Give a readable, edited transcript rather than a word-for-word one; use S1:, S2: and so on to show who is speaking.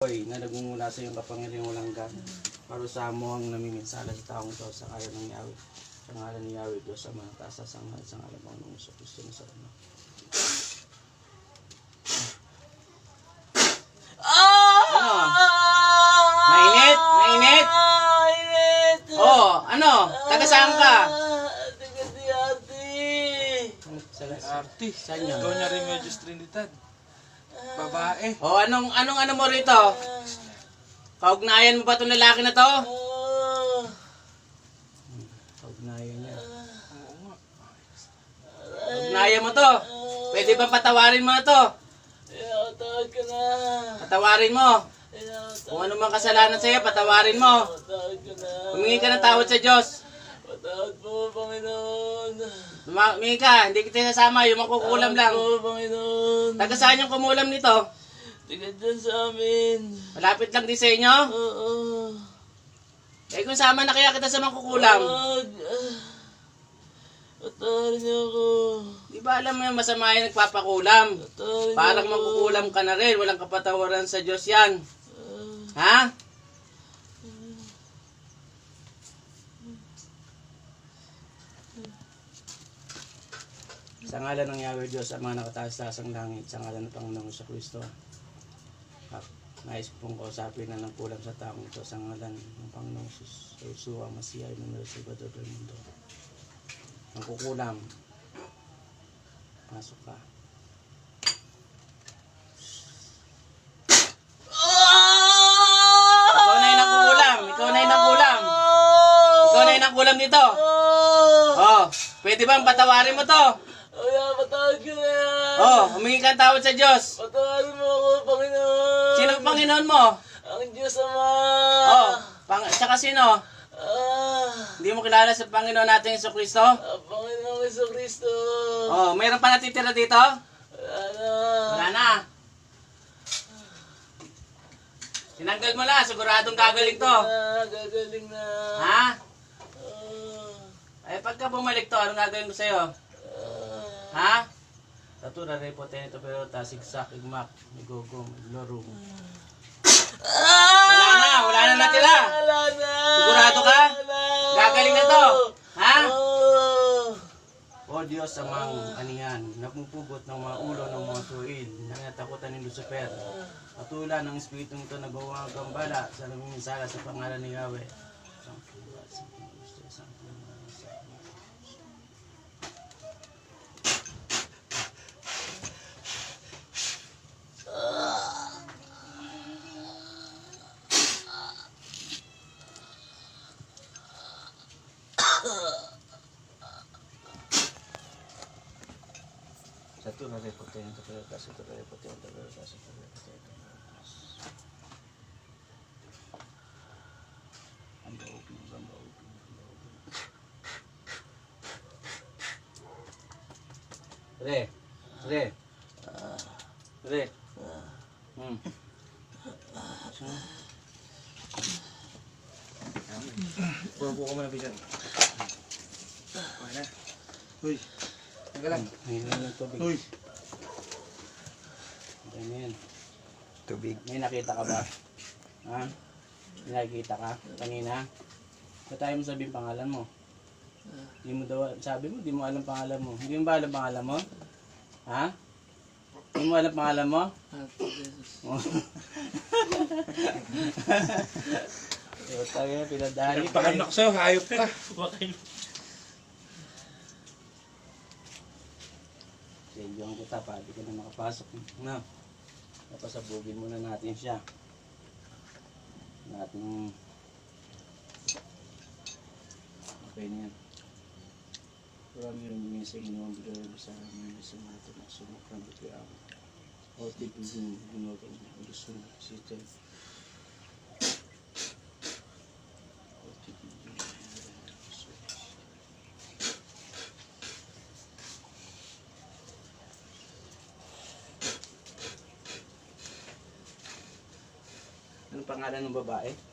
S1: Na nagmumula sa iyong kapangyarihang walang hanggan. Parusahan mo ang namiminsala sa taong ito sa ngalan ng Yahweh. Sa ngalan ni Yahweh, Diyos sa mga taas sa ngalan sa ngalan ng Kristo na sa ano. Ano? Mainit? Mainit?
S2: Mainit!
S1: Oh, ano? Taga saan ka?
S2: Taga Diarte!
S1: Arte? Saan yun?
S3: Doña Remedios Trinidad. Babae.
S1: Oh, anong ano mo rito? Kaugnayan mo ba itong lalaki na to? Kaugnayan niya.
S3: Oo nga.
S1: Kaugnayan mo to. Pwede ba patawarin mo na to?
S2: Tawad ka na!
S1: Patawarin mo. Kung ano mang kasalanan sa'yo, patawarin mo.
S2: Tawad ka na!
S1: Humingi ka ng tawad sa Diyos.
S2: Patawad po, Panginoon!
S1: Humingi ka, hindi kita sasama, yung makukulam lang.
S2: Patawad po, Panginoon!
S1: Taga saan yung kumulam nito?
S2: Taga dyan sa amin!
S1: Malapit lang din sa inyo?
S2: Oo!
S1: Eh kung sama na kaya kita sa makukulam.
S2: Wag! Patawarin niyo ako!
S1: Di ba alam mo yung masama yung nagpapakulam?
S2: Patawarin niyo
S1: Parang
S2: ako.
S1: magkukulam ka na rin, walang kapatawaran sa Diyos yan. Ha? Sa ngalan ng Yahweh Diyos, ang mga nakataas-taas ang langit, sa ngalan ng Panginoong sa Kristo. Nais pong kausapin na ng kulam sa taong ito, sa ngalan ng Panginoong Yeshua, Masiya, Emmanuel, Salvador del Mundo. Ang kukulam. Pasok ka. Ikaw na yung nakukulam. Ikaw na yung nakukulam. Ikaw na yung nakukulam dito. Oh, pwede bang patawarin mo to?
S2: Kaya patawad ka na yan!
S1: Oh, humingi ka ng tawad sa Diyos.
S2: Patawarin mo ako, Panginoon!
S1: Sino ang Panginoon mo?
S2: Ang Diyos Ama!
S1: Oh, tsaka sino?
S2: Ah,
S1: Hindi mo kilala sa Panginoon natin Yesu Kristo?
S2: Panginoong Jesucristo!
S1: Oh, mayroon pa natitira dito?
S2: Wala na!
S1: Wala na. Tinanggal mo na, siguradong gagaling to.
S2: Gagaling na!
S1: Ha?
S2: Ah,
S1: Ay, pagka bumalik to, anong gagawin ko sa'yo? Ha? Tatura, repote, ito pero tasigsak, igmak, igogong, iglorum. Wala na natira.
S2: Wala na!
S1: Sigurado ka? Gagaling na to. Ha?
S2: Oh.
S1: O Diyos, amang aniyan, napupugot ng mga ulo ng mga tuwid, nangatakutan ni Lucifer. Patula ng Espiritong ito nagawa ang gambala sa namiminsala sa pangalan ni Yahweh. Satu na repote, ito pero kasi ito repote, ito pero kasi ito repote, ito pero kasi. Ang baupin, ang baupin, ang baupin. Re, re, re.
S3: Puro po ko muna bisan. Okay na. Uy. Teka lang.
S1: Ngayon yung tubig.
S3: Uy.
S1: Okay na yan.
S3: Tubig.
S1: May nakita ka ba? Ha? May nakita ka? Kanina? Ba't tayo mo sabihin pangalan mo? Hindi mo daw, sabi mo, di mo alam pangalan mo. Hindi mo ba alam pangalan mo? Ha? Hindi mo alam pangalan mo? So, tayo, pinadali.
S3: Pakanak sa'yo, hayop ka.
S1: Sendyohan kita pa, di ka na makapasok. No? Napasabugin muna natin siya. Natin. Okay na yan. Marami rin yung sa inyo ang bigay sa amin sa mga ito na sumakang bigay ako. O tipigin, ginagawa niya. Gusto na kasi ito. Anong pangalan ng babae?